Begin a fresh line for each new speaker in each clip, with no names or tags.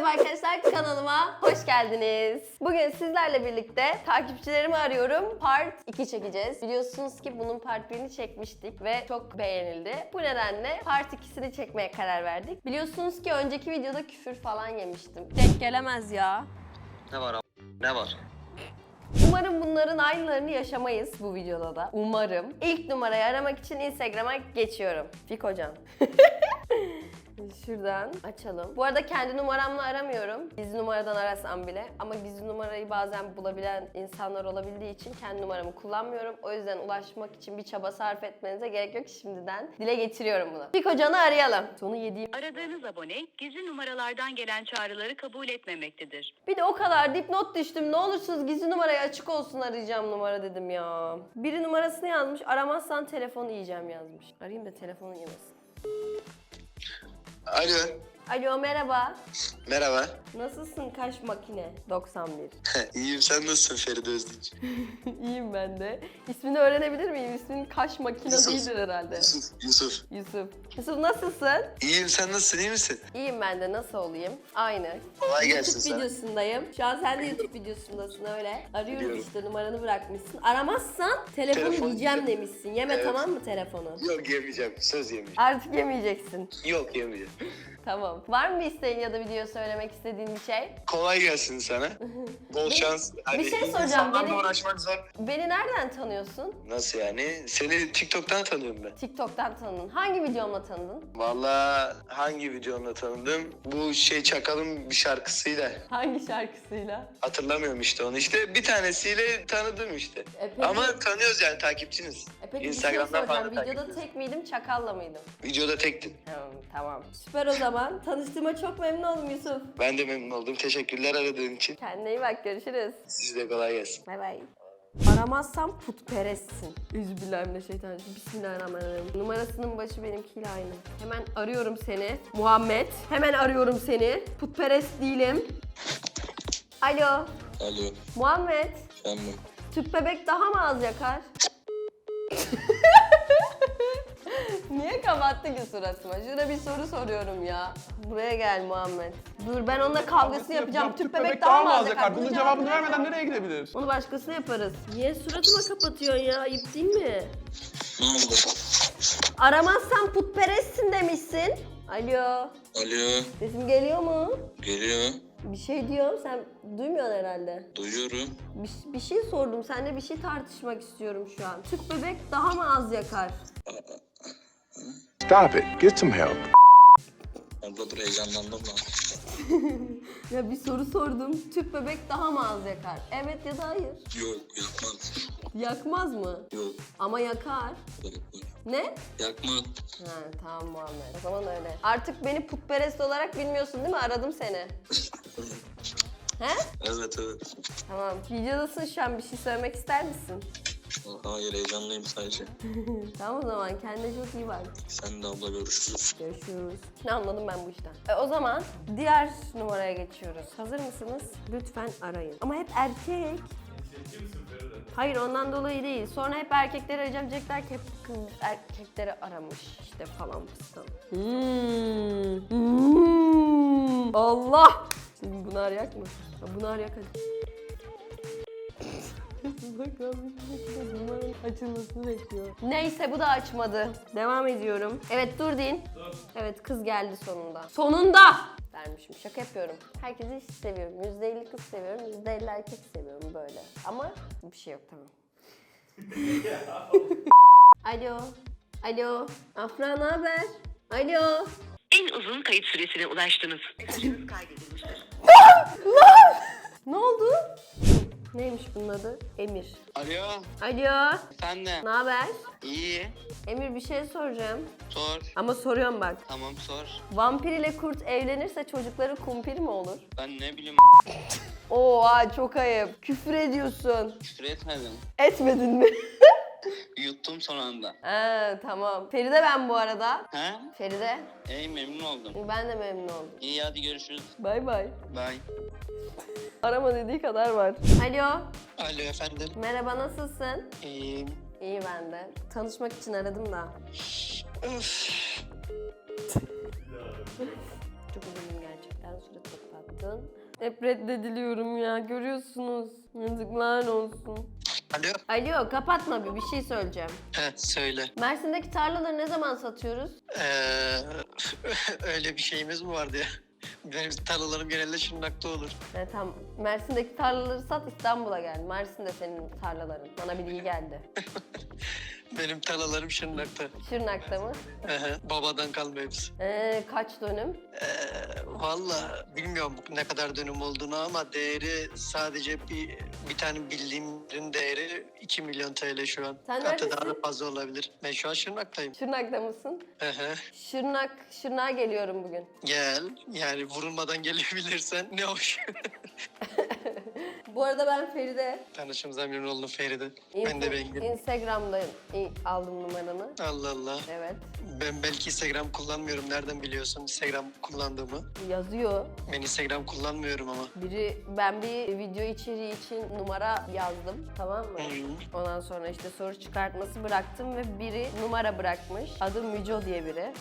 Merhaba arkadaşlar, kanalıma hoş geldiniz. Bugün sizlerle birlikte takipçilerimi arıyorum. Part 2 çekeceğiz. Biliyorsunuz ki bunun part 1'ini çekmiştik ve çok beğenildi. Bu nedenle part 2'sini çekmeye karar verdik. Biliyorsunuz ki önceki videoda küfür falan yemiştim. Denk gelemez ya.
Ne var abi? Ne var?
Umarım bunların aynılarını yaşamayız bu videoda da. Umarım. İlk numarayı aramak için Instagram'a geçiyorum. Fikocan. Şuradan açalım. Bu arada kendi numaramla aramıyorum. Gizli numaradan arasam bile. Ama gizli numarayı bazen bulabilen insanlar olabildiği için kendi numaramı kullanmıyorum. O yüzden ulaşmak için bir çaba sarf etmenize gerek yok. Şimdiden dile getiriyorum bunu. Fikocan'ı arayalım. Sonu yediğim.
Aradığınız abone gizli numaralardan gelen çağrıları kabul etmemektedir.
Bir de o kadar dipnot düştüm. Ne olursunuz gizli numarayı açık olsun arayacağım numara dedim ya. Biri numarasını yazmış. Aramazsan telefonu yiyeceğim yazmış. Arayayım da telefonu yemesin.
Alo.
Alo merhaba.
Merhaba.
Nasılsın kaş makine? 91.
İyiyim, sen nasılsın Feride Özdiç?
İyiyim ben de. İsmini öğrenebilir miyim? İsmin kaş makine
Yusuf.
değildir herhalde.
Yusuf.
Yusuf nasılsın?
İyiyim, sen nasılsın, iyi misin?
İyiyim ben de, nasıl olayım? Aynı.
Kolay gelsin
YouTube
sana.
videosundayım. Şu an sen de YouTube videosundasın öyle. Arıyoruz
Biliyorum.
işte, numaranı bırakmışsın. Aramazsan telefonu
Telefon
yiyeceğim
yiyeceğim.
demişsin. Yeme
Evet.
tamam mı telefonu?
Yok, yemeyeceğim, söz yemeyeceğim.
Artık yemeyeceksin.
Yok, yemeyeceğim.
Tamam. Var mı bir isteğin ya da video söylemek istediğin bir şey?
Kolay gelsin sana. Bol şans.
bir şey soracağım,
insanlarla
benim-
uğraşmak zor.
Beni nereden tanıyorsun?
Nasıl yani? Seni TikTok'tan tanıyorum ben.
TikTok'tan tanıdın. Hangi videomla tanıdın?
Vallahi hangi videonla tanıdım? Bu Çakal'ın bir şarkısıyla.
Hangi şarkısıyla?
Hatırlamıyorum işte onu. İşte bir tanesiyle tanıdım işte.
Peki-
Ama tanıyoruz yani, takipçiniz.
Peki
Instagram'dan
bir şey
falan
soracağım.
da
Videoda
takipçiniz.
tek miydim, çakalla mıydım?
Videoda tektin.
Tamam. Süper o zaman. Tanıştığıma çok memnun oldum Yusuf.
Ben de memnun oldum. Teşekkürler aradığın için.
Kendine iyi bak, görüşürüz.
Size de kolay gelsin.
Bay bay. Aramazsam putperestsin. Üzbillahimineşşeytanirracim. Bismillahirrahmanirrahim. Numarasının başı benimkiyle aynı. Hemen arıyorum seni. Muhammed. Hemen arıyorum seni. Putperest değilim. Alo.
Alo,
Muhammed.
efendim.
Tüp bebek daha mı az yakar? Niye kapattı ki suratıma? Şurada bir soru soruyorum ya. Buraya gel Muhammed. Dur, ben onunla kavgasını yapacağım. Tüp bebek daha mı az yakar?
Bunun cevabını vermeden nereye gidebilir?
Onu başkasına yaparız. Niye suratıma kapatıyorsun ya? Ayıp değil mi?
Ne oldu?
Aramazsan putperestsin demişsin. Alo.
Alo,
Sesim geliyor mu?
geliyor.
Bir şey diyorum, sen duymuyorsun herhalde.
Duyuyorum.
Bir şey sordum, seninle bir şey tartışmak istiyorum şu an. Tüp bebek daha mı az yakar?
Stop it. Get some help.
Abla dur, heyecanlandım da.
Ya bir soru sordum. Tüp bebek daha mı az yakar? Evet ya da hayır.
Yok, yakmaz.
Yakmaz mı?
Yok,
Ama yakar.
yakmaz.
Ne?
Yakmaz.
Ha, tamam Muhammed. O zaman öyle. Artık beni putperest olarak bilmiyorsun değil mi? Aradım seni. He?
Evet, evet.
Tamam. Videodasın şu an. Bir şey söylemek ister misin?
Hayır, heyecanlıyım sadece.
Tamam o zaman. Kendine çok iyi bak.
Sen de abla, görüşürüz.
Görüşürüz. Ne anladım ben bu işten? O zaman diğer numaraya geçiyoruz. Hazır mısınız? Lütfen arayın. Ama hep erkek. Hayır, ondan dolayı değil. Sonra hep erkekleri arayacağım. Diyecekler ki hep kız erkekleri aramış işte falan fistan. Allah! Şimdi bunu arayak mı? Ha, bunu arayak hadi. Bakalım, numaranın açılmasını bekliyor. Neyse, bu da açmadı. Devam ediyorum. Evet, dur deyin. Evet, kız geldi sonunda. Sonunda! Vermişim, şaka yapıyorum. Herkesi eşit seviyorum. %50 kız seviyorum, %50 erkek seviyorum böyle. Ama bir şey yok, tamam. Alo. Alo. Afra, ne haber? Alo.
En uzun kayıt süresine ulaştınız. Mesajınız kaydedilmiştir.
Ne oldu? Neymiş bunun adı? Emir.
Alo.
Alo.
Sen de.
Ne haber?
İyi.
Emir, bir şey soracağım.
Sor.
Ama soruyorum bak.
Tamam, sor.
Vampir ile kurt evlenirse çocukları kumpir mi olur?
Ben ne bileyim,
Oha, çok ayıp. Küfür ediyorsun.
küfür etmedim.
Etmedin mi?
Yuttum son anda.
Ha, tamam. Feride ben bu arada.
He?
Feride.
İyi, memnun oldum.
Ben de memnun oldum.
İyi, hadi görüşürüz.
Bay bay.
Bye.
Arama dediği kadar var. Alo.
Alo efendim.
Merhaba, nasılsın?
İyiyim.
İyi ben de. Tanışmak için aradım da.
Öf.
Çok üzüldüm gerçekten. Surat çok tatlı. mıydın? Hep reddediliyorum ya, görüyorsunuz. Yazıklar olsun.
Alo.
Alo, kapatma, bir şey söyleyeceğim.
Söyle.
Mersin'deki tarlaları ne zaman satıyoruz?
Öyle bir şeyimiz mi vardı ya? Benim tarlalarım genelde Şırnak'ta olur.
Tamam, Mersin'deki tarlaları sat, İstanbul'a gel. Mersin de senin tarlaların. Bana bilgi geldi.
Benim tarlalarım Şırnak'ta.
Şırnak'ta mı?
Babadan kalma hepsi.
Kaç dönüm?
Valla bilmiyorum ne kadar dönüm olduğunu ama değeri sadece bir tane bildiğimin değeri 2 milyon TL şu an.
Sen
Hatta daha
neredesin?
da fazla olabilir. Ben şu an Şırnak'tayım.
Şırnak'ta mısın?
Hı hı.
Şırnak'a geliyorum bugün.
Gel. Yani vurulmadan gelebilirsen ne hoş.
Bu arada ben Feride.
Tanışımıza memnun oldum Feride. Ben de Bengü.
Instagram'da aldım numaranı.
Allah Allah.
Evet.
Ben belki Instagram kullanmıyorum. Nereden biliyorsun Instagram kullandığımı?
Yazıyor.
Ben Instagram kullanmıyorum ama.
Ben bir video içeriği için numara yazdım, tamam mı?
Hı.
Ondan sonra işte soru çıkartması bıraktım ve biri numara bırakmış. Adı Müco diye biri.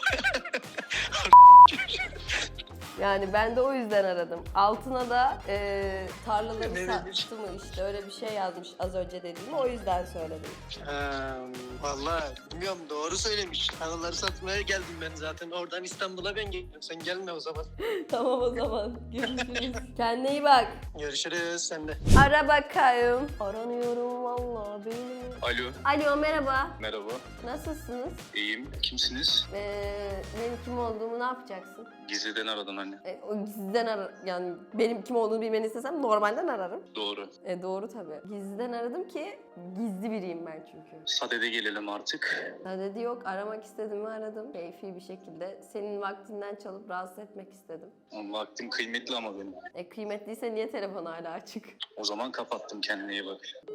Yani ben de o yüzden aradım. Altına da tarlaları
Ne
sattı mı işte öyle bir şey yazmış az önce dediğimi, o yüzden söyledim.
Vallahi bilmiyorum, doğru söylemiş. Tarlaları satmaya geldim ben zaten. Oradan İstanbul'a ben geldim. Sen gelme o zaman.
Tamam, o zaman görüşürüz. Kendine iyi bak.
Görüşürüz sen de.
Ara bakayım. Aranıyorum vallahi beynim.
Alo.
Alo, merhaba.
Merhaba.
Nasılsınız?
İyiyim. Kimsiniz?
Benim kim olduğumu ne yapacaksın?
Gizliden aradın anne.
O gizliden yani benim kim olduğunu bilmeni istesem normalden ararım.
Doğru.
Doğru tabii. Gizliden aradım ki gizli biriyim ben çünkü.
Sadede gelelim artık.
Dedi yok, aramak istediğimi aradım. Keyfi bir şekilde. Senin vaktinden çalıp rahatsız etmek istedim.
Vaktim kıymetli ama benim.
Kıymetliyse niye telefon hala açık?
O zaman kapattım, kendine iyi bak.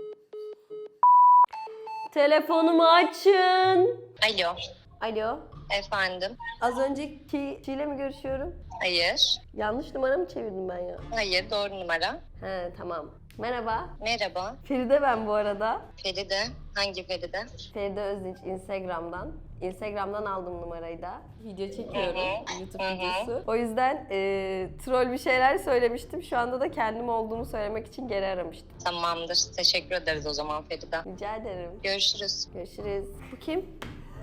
Telefonumu açın.
Alo,
Alo.
efendim.
Az önceki kişiyle mi görüşüyorum?
Hayır.
Yanlış numara mı çevirdim ben ya?
Hayır, doğru numara.
He, tamam. Merhaba.
Merhaba.
Feride ben bu arada.
Feride. Hangi Feride?
Feride Özdinç Instagram'dan. Instagram'dan aldım numarayı da. Video çekiyorum. YouTube videosu. O yüzden troll bir şeyler söylemiştim. Şu anda da kendim olduğumu söylemek için geri aramıştım.
Tamamdır. Teşekkür ederiz o zaman Feride.
Rica ederim.
Görüşürüz.
Görüşürüz. Bu kim?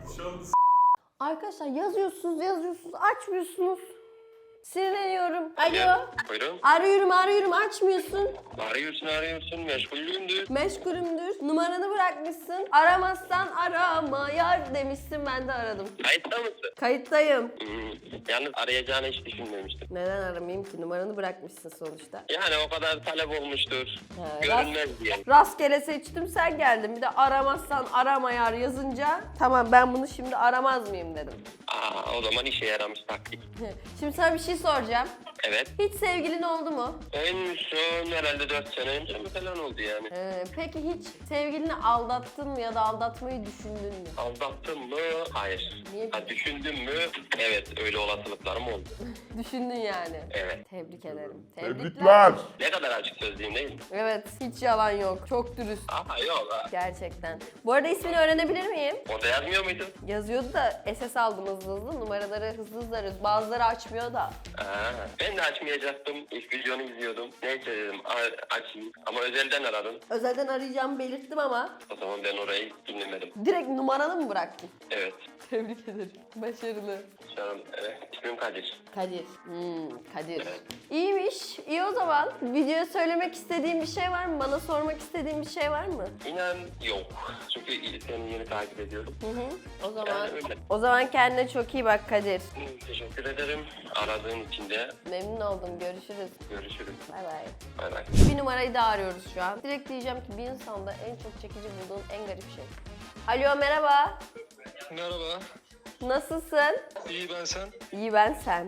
Arkadaşlar yazıyorsunuz, açmıyorsunuz. Sinirleniyorum. Alo.
Buyurun.
Arıyorum, açmıyorsun.
Arıyorsun. Meşgulümdür.
Meşgulümdür. Numaranı bırakmışsın. Aramazsan arama yar demişsin, ben de aradım.
Kayıtta mısın?
Kayıttayım.
Yalnız arayacağını hiç düşünmemiştim.
Neden aramayayım ki? Numaranı bırakmışsın sonuçta.
Yani o kadar talep olmuştur.
Ha,
Görünmez diye.
Rastgele seçtim, sen geldin. Bir de aramazsan arama yar yazınca tamam, ben bunu şimdi aramaz mıyım dedim.
O zaman işe yaramış taktik.
Şimdi sana bir şey soracağım.
Evet.
Hiç sevgilin oldu mu?
En son herhalde 4 sene önce mi falan oldu yani.
Peki hiç sevgilini aldattın mı ya da aldatmayı düşündün mü?
Aldattın mı? Hayır.
Niye?
Düşündün mü? Evet, öyle olasılıklarım oldu.
Düşündün yani.
Evet.
Tebrik ederim.
Tebrikler.
Ne kadar açık sözlüyüm değil mi?
Evet, hiç yalan yok. Çok dürüst.
Yok ha.
Gerçekten. Bu arada ismini öğrenebilir miyim?
Orada yazmıyor muydu?
Yazıyordu da SS aldım hızlı. Numaraları hızlı arıyoruz. Bazıları açmıyor da.
Ben de açmayacaktım. İlk videonu izliyordum. Neyse dedim açayım. Ama özelden aradım.
Özelden arayacağımı belirttim ama
O zaman ben orayı dinlemedim.
direkt numaranı mı bıraktın?
Evet.
Tebrik ederim. Başarılı.
Canım, evet. İsmim Kadir.
Kadir. Kadir. İyiymiş. İyi o zaman. Videoya söylemek istediğin bir şey var mı? Bana sormak istediğin bir şey var mı?
İnan yok. Çünkü seni yeni takip ediyorum.
O zaman
Yani öyle.
o zaman kendine çok iyi bak Kadir.
Teşekkür ederim. Aradığın için de
Memnun oldum. Görüşürüz.
görüşürüz.
Bay bay.
Bay bay.
Bir numarayı daha arıyoruz şu an. Direkt diyeceğim ki bir insanda en çok çekici bulduğun en garip şey. Alo, merhaba.
Merhaba.
Nasılsın?
İyi, ben sen.
İyi, ben sen.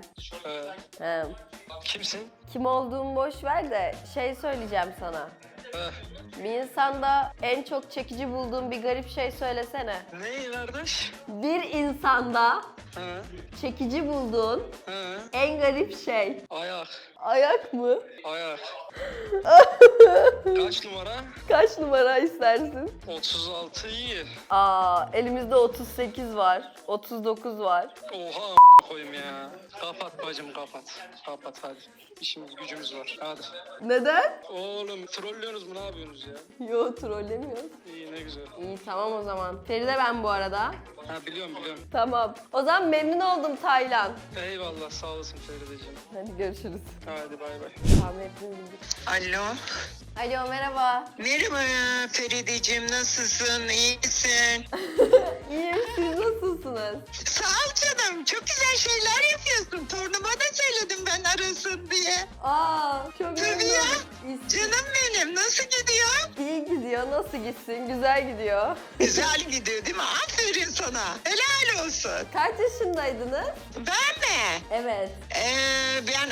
He.
Kimsin?
Kim olduğumu boş ver de şey söyleyeceğim sana. Bir insanda en çok çekici bulduğun bir garip şey söylesene.
Ne kardeş?
Bir insanda
He.
Çekici bulduğun
He.
en garip şey.
Ayak.
Ayak mı?
Ayak. Kaç numara?
Kaç numara istersin?
36 iyi.
Elimizde 38 var. 39 var.
Oha koyayım ya. Kapat bacım kapat. Kapat hadi. İşimiz gücümüz var. Hadi.
Neden?
Oğlum trollüyorsunuz mu ne yapıyorsunuz ya?
Yo, trollemiyoruz.
İyi ne güzel.
İyi, tamam o zaman. Feride ben bu arada.
Ha biliyorum.
Tamam. O zaman memnun oldum Taylan.
Eyvallah sağ olasın Ferideciğim.
Hadi görüşürüz.
Hadi bay bay.
Tahmin ettiğim bildik.
Alo.
Alo, merhaba.
Merhaba Ferideciğim, nasılsın? İyisin?
İyiyim, siz nasılsınız?
Sağ ol canım. Çok güzel şeyler yapıyorsun. Torunuma da söyledim ben arasın diye.
Çok
Tabii
memnun
ya.
oldum.
Canım benim, nasıl gidiyor?
İyi gidiyor, nasıl gitsin? Güzel gidiyor.
Güzel gidiyor değil mi? Aferin sana. Helal olsun.
Kaç yaşındaydınız?
Ben mi?
Evet.
Ben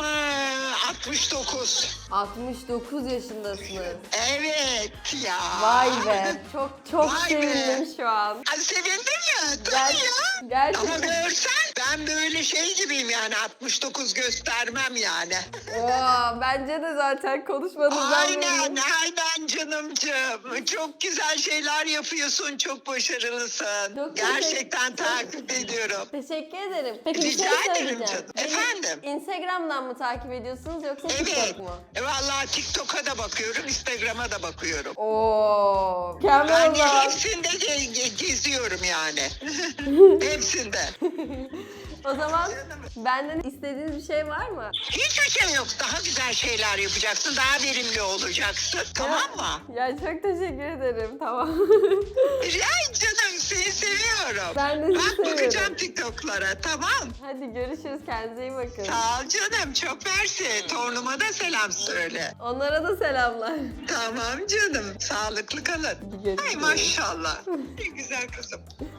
69.
69 yaşındasınız.
Evet ya.
Vay be. Çok
Vay
sevindim
be.
şu an.
Ay, sevindin mi?
Ger-
Tabii ya.
gerçekten.
Ama görsen ben böyle şey gibiyim yani 69 göstermem yani.
Bence de zaten konuşmanızdan
Aynen,
belli.
aynen canımcığım. Çok güzel şeyler yapıyorsun, çok başarılısın.
Çok
Gerçekten takip ediyorum.
Teşekkür ederim. Peki bir
Rica
şey
ederim
söyleyeceğim.
canım.
Beni
Efendim?
Instagram'dan mı takip ediyorsunuz yoksa
Evet.
TikTok mu?
Vallahi TikTok'a da bakıyorum, Instagram'a da bakıyorum.
Mükemmel
Ben
o
de
zaman.
hepsinde geziyorum yani. Hepsinde.
O zaman benden istediğiniz bir şey var mı?
Hiçbir şey yok. Daha güzel şeyler yapacaksın, daha verimli olacaksın. Tamam mı?
Ya çok teşekkür ederim. Tamam.
Ay canım, seni seviyorum.
Ben de sizi
Bak
seviyorum.
bakacağım TikTok'lara, tamam.
Hadi görüşürüz. Kendinize iyi bakın.
Sağ ol canım, çok mersi. Torunuma da selam söyle.
Onlara da selamlar.
Tamam canım, sağlıklı kalın.
Hadi görüşürüz.
Ay maşallah. Ne güzel kızım.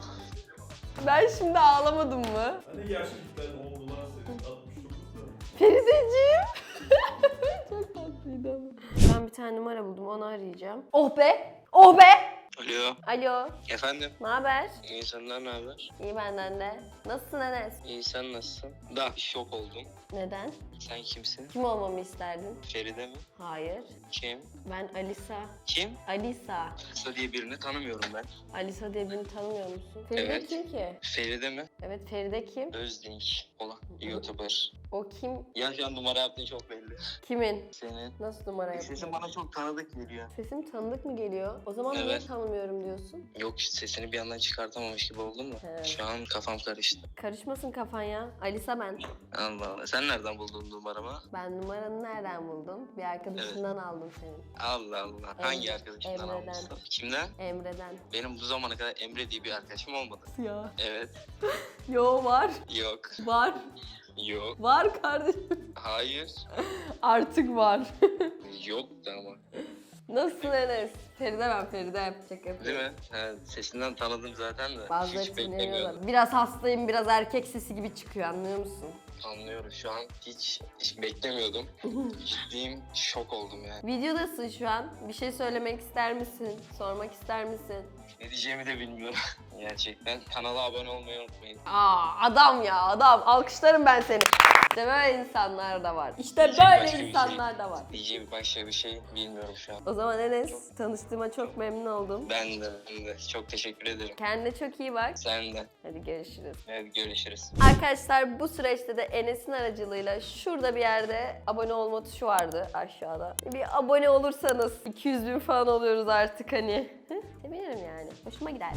Ben şimdi ağlamadım mı?
Hani gerçekten oldular senin 69'da.
Ferideciğim. Çok tatlıydı ama. Ben bir tane numara buldum, onu arayacağım. Oh be! Oh be!
Alo.
Alo.
Efendim?
Ne haber?
İyi senden ne haber?
İyi benden de. Nasılsın Enes?
İyi sen nasılsın? Da şok oldum.
Neden?
Sen kimsin?
Kim olmamı isterdin?
Feride mi?
Hayır.
Kim?
Ben Alisa.
Kim?
Alisa.
Kısa diye birini tanımıyorum ben.
Alisa diye birini tanımıyor musun? Feride
Evet.
kim ki?
Feride mi?
Evet, Feride kim?
Özdinç olan YouTuber.
O kim?
Ya şu an numara yaptığın çok belli.
Kimin?
Senin.
Nasıl numara
Sesin
yapıyor?
bana çok tanıdık geliyor.
Sesim tanıdık mı geliyor? O zaman niye
Evet.
tanımıyorum diyorsun?
Yok sesini bir yandan çıkartamamış gibi oldun mu?
He.
Şu an kafam karıştı.
Karışmasın kafan ya. Alisa ben.
Allah Allah. Sen nereden buldun numaramı?
Ben numaranı nereden buldum? Bir arkadaşından aldım senin.
Allah Allah. Hangi arkadaşımdan
Emre'den.
almışsın? Kimden?
Emre'den.
Benim bu zamana kadar Emre diye bir arkadaşım olmadı.
Ya.
Evet.
Yo, var.
Yok.
Var.
Yok.
Var kardeşim.
Hayır.
Artık var.
Yoktu ama.
Nasılsın Enes? Feride ben, Feride. Şaka
Değil mi? Ha, sesinden tanıdım zaten de.
Bazıları
Hiç beklemiyordum.
sinirleniyorlar. Biraz hastayım, biraz erkek sesi gibi çıkıyor, anlıyor musun?
Anlıyorum şu an. Hiç beklemiyordum. Ciddiyim. Şok oldum yani.
Videodasın şu an. Bir şey söylemek ister misin? Sormak ister misin?
Ne diyeceğimi de bilmiyorum. Gerçekten. Kanala abone olmayı unutmayın.
Adam ya, adam. Alkışlarım ben seni. İşte böyle insanlar da var. İşte
Diyecek
böyle
başka bir
insanlar da var.
Diyeceğim başka bir şey bilmiyorum şu an.
O zaman Enes, tanıştığıma çok memnun oldum.
Ben de. Çok teşekkür ederim.
Kendine çok iyi bak.
Sen de.
Hadi görüşürüz.
Hadi görüşürüz.
Arkadaşlar bu süreçte de Enes'in aracılığıyla şurada bir yerde abone olma tuşu vardı aşağıda. Bir abone olursanız 200.000 falan oluyoruz artık hani. Sevinirim yani. Hoşuma gider.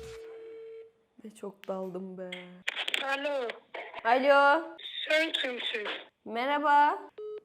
Ve çok daldım be.
Alo,
Alo.
sen kimsin?
Merhaba.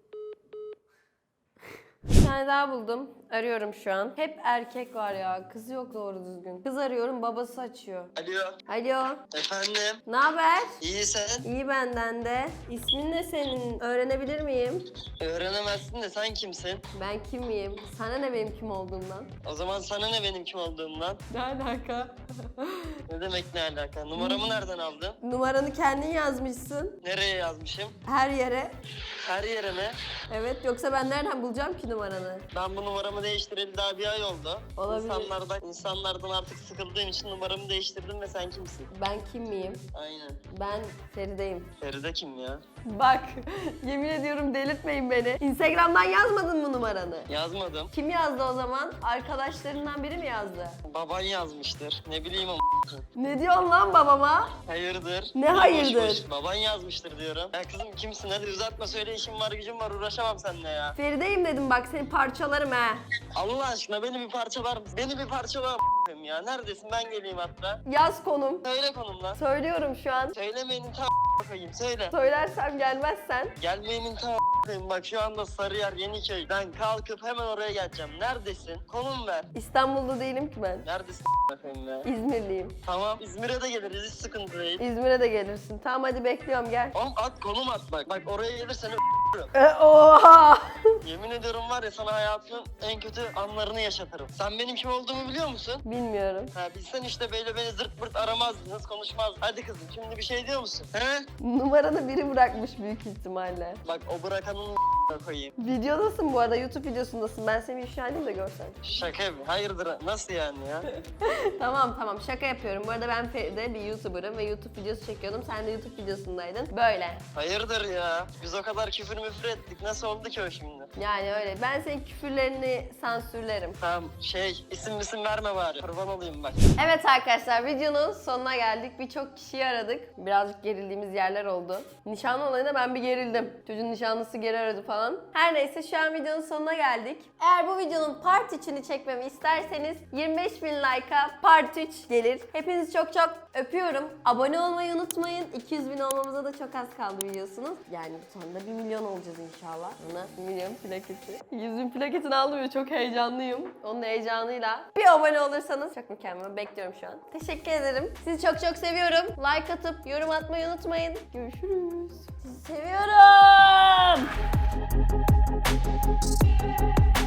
Bir tane daha buldum. Arıyorum şu an. Hep erkek var ya. Kız yok doğru düzgün. Kız arıyorum, babası açıyor.
Alo.
Alo.
Efendim.
Ne haber?
İyi sen.
İyi benden de. İsmin ne senin? Öğrenebilir miyim?
Öğrenemezsin de sen kimsin?
Ben kim miyim? Sana ne benim kim olduğumdan?
O zaman sana ne benim kim olduğumdan?
Ne alaka?
Ne demek ne alaka? Numaramı nereden aldın?
Numaranı kendin yazmışsın.
Nereye yazmışım?
Her yere.
Her yere mi?
Evet, yoksa ben nereden bulacağım ki numaranı?
Ben bu numaramı değiştireli daha bir ay oldu.
Olabilir.
İnsanlardan artık sıkıldığım için numaramı değiştirdim ve sen kimsin?
Ben kim miyim?
Aynen.
Ben Feride'yim.
Feride kim ya?
Bak, yemin ediyorum delirtmeyin beni. Instagram'dan yazmadın mı numaranı?
Yazmadım.
Kim yazdı o zaman? Arkadaşlarından biri mi yazdı?
Baban yazmıştır. Ne bileyim ama.
Ne diyorsun lan babama?
Hayırdır?
Ne hayırdır?
Boş boş. Baban yazmıştır diyorum. Ya kızım kimsin? Hadi uzatma söyle, işim var gücüm var, uğraşamam seninle ya.
Feride'yim dedim bak, seni parçalarım ha.
Allah aşkına beni bir parçalar mısın? Beni bir parçalar ya. Neredesin? Ben geleyim hatta.
Yaz konum.
Söyle konumla.
Söylüyorum şu an.
Söylemeyenin koyayım. Söyle.
Söylersem gelmezsen.
Gelmeyenin koyayım. Bak şu anda Sarıyer Yeniköy. Ben kalkıp hemen oraya geleceğim. Neredesin? Konum ver.
İstanbul'da değilim ki ben.
Neredesin koyayım ya?
İzmirliyim.
Tamam. İzmir'e de geliriz. Hiç sıkıntı değil.
İzmir'e de gelirsin. Tamam hadi bekliyorum gel.
Oğlum at, konum at bak. Bak oraya gelirsen
Oha!
yemin ediyorum var ya, sana hayatının en kötü anlarını yaşatırım. Sen benim kim olduğumu biliyor musun?
Bilmiyorum.
Ha bilsen işte böyle beni zırt pırt aramazdınız, konuşmazdınız. Hadi kızım şimdi bir şey diyor musun? He?
Numaranı biri bırakmış büyük ihtimalle.
Bak o bırakanın koyayım.
Videodasın bu arada, YouTube videosundasın. Ben seni ifşa edeyim de görsen.
Şaka yapayım. Hayırdır? Nasıl yani ya?
Tamam şaka yapıyorum. Bu arada ben Feride bir YouTuber'ım ve YouTube videosu çekiyordum. Sen de YouTube videosundaydın. Böyle.
Hayırdır ya? Biz o kadar küfür müfür ettik. Nasıl oldu ki o şimdi?
Yani öyle. Ben senin küfürlerini sansürlerim.
Tamam isim verme bari. Kurban olayım bak.
Evet arkadaşlar, videonun sonuna geldik. Birçok kişiyi aradık. Birazcık gerildiğimiz yerler oldu. Nişanlı olayında ben bir gerildim. Çocuğun nişanlısı geri aradı falan. Her neyse şu an videonun sonuna geldik. Eğer bu videonun part 3'ünü çekmemi isterseniz 25.000 like'a part 3 gelir. Hepinizi çok çok öpüyorum. Abone olmayı unutmayın. 200.000 olmamıza da çok az kaldı biliyorsunuz. Yani sonunda 1 milyon olacağız inşallah. Buna 1 milyon plaketi. 100.000 plaketini aldım ve çok heyecanlıyım. Onun heyecanıyla bir abone olursanız çok mükemmel. Bekliyorum şu an. Teşekkür ederim. Sizi çok çok seviyorum. Like atıp yorum atmayı unutmayın. Görüşürüz. Sizi seviyorum.